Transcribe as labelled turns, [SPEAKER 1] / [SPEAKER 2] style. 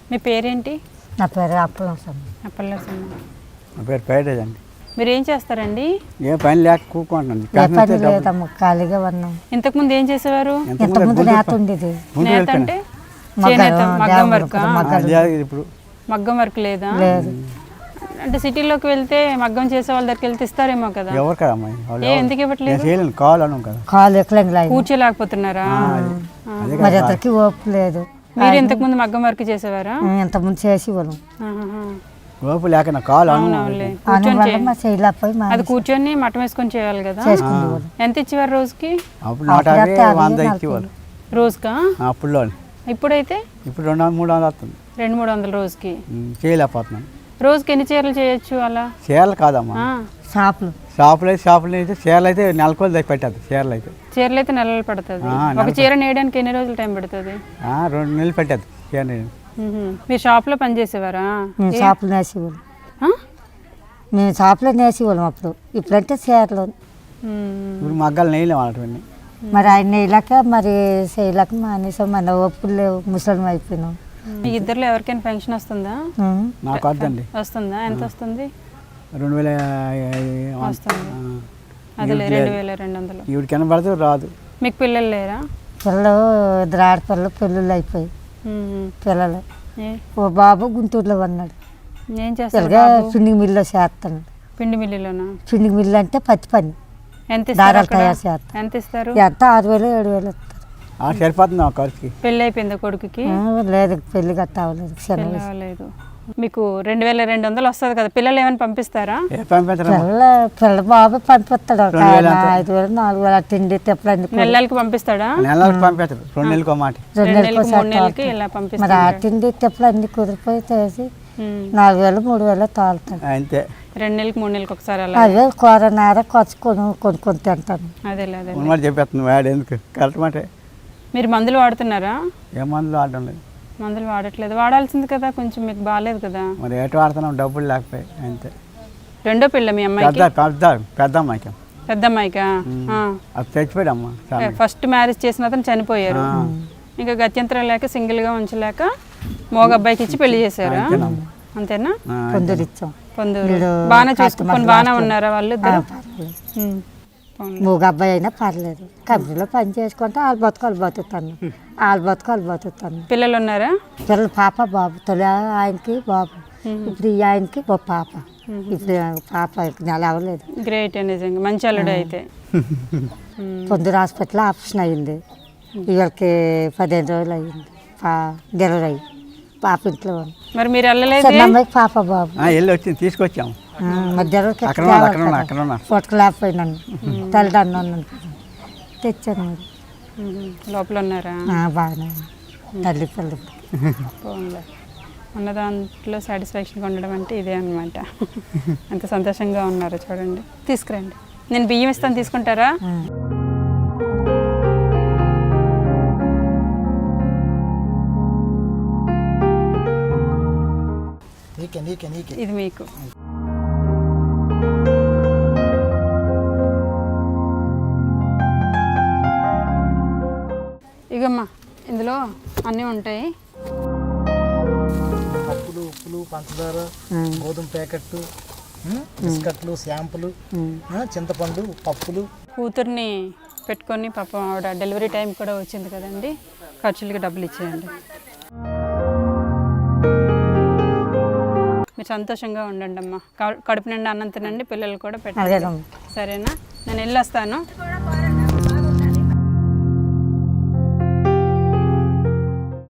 [SPEAKER 1] మీ పేరేంటి?
[SPEAKER 2] నా పేరు అప్పలసమ్మ.
[SPEAKER 1] అప్పలసమ్మ.
[SPEAKER 3] నా పేరు పేరేజ్ అండి.
[SPEAKER 1] మీరు ఏం చేస్తారండి?
[SPEAKER 3] ఏ పని లేక కూకుంటున్నాను.
[SPEAKER 2] ఏ పని లేదమ్మ, ఖాళీగా ఉన్నాం.
[SPEAKER 1] ఇంతకుముందు ఏం చేసేవారు?
[SPEAKER 2] ఇంతకుముందు నేత ఉండేది.
[SPEAKER 1] నేత అంటే చేనేత, మగ్గం వర్క్.
[SPEAKER 3] ఇప్పుడు
[SPEAKER 1] మగ్గం వర్క్ లేదా?
[SPEAKER 2] లేదు.
[SPEAKER 1] అంటే సిటీలోకి వెళ్తే మగ్గం చేసే వాళ్ళ దగ్గరికి వెళ్తే ఇస్తారేమో కదా.
[SPEAKER 3] ఎవరు కదా అమ్మాయి,
[SPEAKER 1] ఎందుకు ఇవ్వట్లేదు?
[SPEAKER 2] కాలు ఎక్కలేం,
[SPEAKER 1] కూర్చోలేకపోతున్నారా?
[SPEAKER 2] మరి అతనికి ఓపు లేదు.
[SPEAKER 1] మీరు ఇంతకు ముందు మగ్గం వర్క్ చేసేవారా?
[SPEAKER 2] ఇంతకుముందు చేసేవాళ్ళం.
[SPEAKER 3] ఓపు లేక నా కాలు
[SPEAKER 1] అది కూర్చొని మటం వేసుకొని చేయాలి కదా. ఎంత ఇచ్చేవారు రోజుకి?
[SPEAKER 3] అప్పుడు 150 ఇచ్చేవాళ్ళు
[SPEAKER 1] రోజుకా?
[SPEAKER 3] అప్పుడులో.
[SPEAKER 1] ఇప్పుడైతే
[SPEAKER 3] ఇప్పుడు 200-300 వస్తుంది.
[SPEAKER 1] 200-300 రోజుకి
[SPEAKER 3] చేయలేకపోతున్నాను.
[SPEAKER 1] రోజుకి ఎన్ని చీరలు చేయొచ్చు అలా?
[SPEAKER 3] చీరలు కాదమ్మా, షాపులు అయితే చీరలు అయితే నెలకోలు దగ్గర పెట్టద్దు. చీరలు అయితే
[SPEAKER 1] నెలలు పడుతుంది. ఒక చీర నేయడానికి ఎన్ని రోజులు టైం పడుతుంది?
[SPEAKER 3] 2 నెలలు పెట్టద్దు చీర.
[SPEAKER 1] మీరు షాప్లో పని చేసేవారా?
[SPEAKER 2] షాపులో నేసేవాళ్ళం. మేము షాపులో నేసేవాళ్ళం అప్పుడు. ఇప్పుడంటే చీరలు.
[SPEAKER 3] ఇప్పుడు మగ్గాలు నెయ్యలేము వాళ్ళని.
[SPEAKER 2] మరి ఆయన నెయ్యలేక మరి చేయలేక మానేసాం. మన ఓపులు లేవు, ముసలం అయిపోయినాం.
[SPEAKER 1] మీ ఇద్దరులో ఎవరికైనా పెన్షన్ వస్తుందా?
[SPEAKER 3] నాకు వద్దండి.
[SPEAKER 1] వస్తుందా? ఎంత వస్తుంది?
[SPEAKER 3] 2000
[SPEAKER 1] వస్తుంది. అదే 2200.
[SPEAKER 3] ఇవి కనబడితే రాదు.
[SPEAKER 1] మీకు పిల్లలు లేరా?
[SPEAKER 2] పిల్లలు 2 ఆడపిల్లలు పెళ్ళిళ్ళు అయిపోయి. పిల్లలు ఓ బాబు గుంటూరులో ఉన్నాడు.
[SPEAKER 1] ఏం చేస్తారు?
[SPEAKER 2] పిండి మిల్లులో చేస్తాడు.
[SPEAKER 1] పిండి మిల్లులోనా?
[SPEAKER 2] పిండి మిల్లు అంటే పత్తి పని.
[SPEAKER 1] ఎంత
[SPEAKER 2] దారాలు తయారు చేస్తాను.
[SPEAKER 1] ఎంత ఇస్తారు?
[SPEAKER 2] ఎంత 6000-7000 ఇస్తారు.
[SPEAKER 3] సరిపోతుంది ఆ ఖర్చుకి.
[SPEAKER 1] పెళ్ళి అయిపోయిందా కొడుకుకి?
[SPEAKER 2] లేదు, పెళ్లి గట్ట అవ్వలేదు.
[SPEAKER 1] మీకు 2200 వస్తుంది కదా. పిల్లలు ఏమైనా పంపిస్తారా?
[SPEAKER 2] పిల్ల బాబు పంపిస్తాడు. 5000-4000 తిండి తిప్పలు
[SPEAKER 1] నెలలకి పంపిస్తాడా?
[SPEAKER 3] నెలలకు పంపిస్తాడు. 2 నెలలకు మాట.
[SPEAKER 1] 2 నెలలకి ఇలా పంపిస్తాడు.
[SPEAKER 2] మరి ఆ తిండి తిప్పలు అన్ని కుదిరిపోయి చేసి 4000-3000 తాగుతాడు
[SPEAKER 3] అంతే.
[SPEAKER 1] 2 నెలలకు 3 నెలలకు ఒకసారి అలా.
[SPEAKER 2] అదే కూరనార కొనుక్కొని తింటాను.
[SPEAKER 1] అదే
[SPEAKER 3] చెప్పేస్తుంది వాడు. ఎందుకు కరెక్ట్ మాట.
[SPEAKER 1] మీరు మందులు వాడుతున్నారా?
[SPEAKER 3] ఏ మందులు వాడడం లేదు.
[SPEAKER 1] మందులు వాడట్లేదు. వాడాల్సింది కదా, కొంచెం మీకు బాగాలేదు కదా.
[SPEAKER 3] మరి ఎటు వాడుతున్నాం, డబ్బులు లేకపోయి అంతే.
[SPEAKER 1] రెండో పిల్ల మీ అమ్మాయికి?
[SPEAKER 3] పెద్ద అమ్మాయికి.
[SPEAKER 1] పెద్ద అమ్మాయికా?
[SPEAKER 3] అది చచ్చిపోయాడమ్మా.
[SPEAKER 1] ఫస్ట్ మ్యారేజ్ చేసిన అతను చనిపోయారు. ఇంకా గత్యంతరం లేక సింగిల్గా ఉంచలేక మోగ అబ్బాయికి ఇచ్చి పెళ్లి చేశారా? అంతేనా? పొందూరు బాగానే చూసుకుని బాగానే ఉన్నారా వాళ్ళు?
[SPEAKER 2] మూగ అబ్బాయి అయినా పర్లేదు. కంపెనీలో పని చేసుకుంటే వాళ్ళ బతుకాలు బతుకుతాను.
[SPEAKER 1] పిల్లలు ఉన్నారా?
[SPEAKER 2] పిల్లలు పాప బాబు. తొలి ఆయనకి బాబు, ఇప్పుడు ఈ ఆయనకి పాప. ఇప్పుడు పాప నెల అవ్వలేదు.
[SPEAKER 1] గ్రేట్. నిజంగా మంచి అల్లుడు అయితే.
[SPEAKER 2] పొందూరు హాస్పిటల్లో ఆపరేషన్ అయ్యింది. ఇవాళకి 15 రోజులు అయ్యింది డెలివరీ. పాప ఇంట్లో.
[SPEAKER 1] మరి మీరు వెళ్ళలేదు?
[SPEAKER 2] అమ్మాయికి పాప బాబు.
[SPEAKER 3] వెళ్ళి వచ్చింది, తీసుకొచ్చాము.
[SPEAKER 2] పుట్టకలేకపోయినాను. తల్లిదండ్రులు తెచ్చాను.
[SPEAKER 1] లోపల ఉన్నారా?
[SPEAKER 2] బాగానే తల్లి పిల్లలు.
[SPEAKER 1] ఉన్న దాంట్లో సాటిస్ఫాక్షన్గా ఉండడం అంటే ఇదే అనమాట. ఎంత సంతోషంగా ఉన్నారో చూడండి. తీసుకురండి, నేను బియ్యం ఇస్తాను, తీసుకుంటారా? ఇది మీకు. ఇగమ్మా, ఇందులో అన్నీ ఉంటాయి.
[SPEAKER 4] పప్పులు, ఉప్పులు, పంచదార, గోధుమ ప్యాకెట్లు, బిస్కట్లు, షాంపులు, చింతపండు, పప్పులు.
[SPEAKER 1] కూతుర్ని పెట్టుకొని పాపం ఆవిడ డెలివరీ టైం కూడా వచ్చింది కదండి, ఖర్చులకి డబ్బులు ఇచ్చేయండి. మీరు సంతోషంగా ఉండండి అమ్మా. కడుపు నిండా అన్నం తినండి, పిల్లలు కూడా పెట్టండి. సరేనా? నేను వెళ్ళొస్తాను.